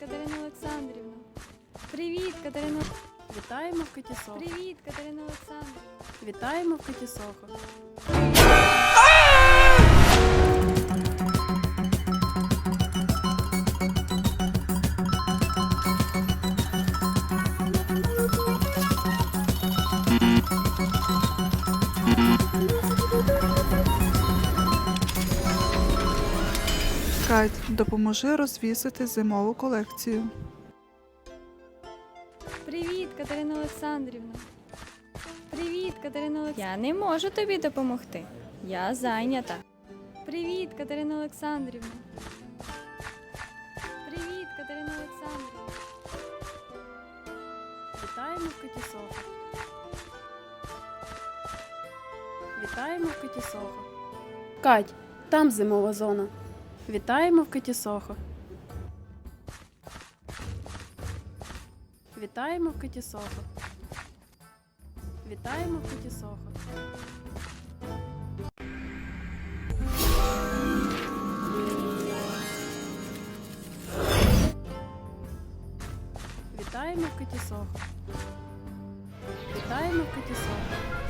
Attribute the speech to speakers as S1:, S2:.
S1: Катерина Олександрівна. Привіт, Катерина.
S2: Вітаємо в Киті Сохо.
S1: Привіт, Катерина Олександрівна.
S2: Вітаємо в Киті Сохо.
S3: Кать, допоможи розвісити зимову колекцію.
S1: Привіт, Катерина Олександрівна. Привіт, Катерина Олександрівна. Я не можу тобі допомогти. Я зайнята. Привіт, Катерина Олександрівна. Привіт, Катерина Олександрівна.
S2: Вітаємо в Киті Сохо. Вітаємо в Киті Сохо. Кать, там зимова зона. Вітаємо в Киті Сохо. Вітаємо в Киті Сохо. Вітаємо в Киті Сохо. Вітаємо в Киті Сохо. Вітаємо в Киті Сохо.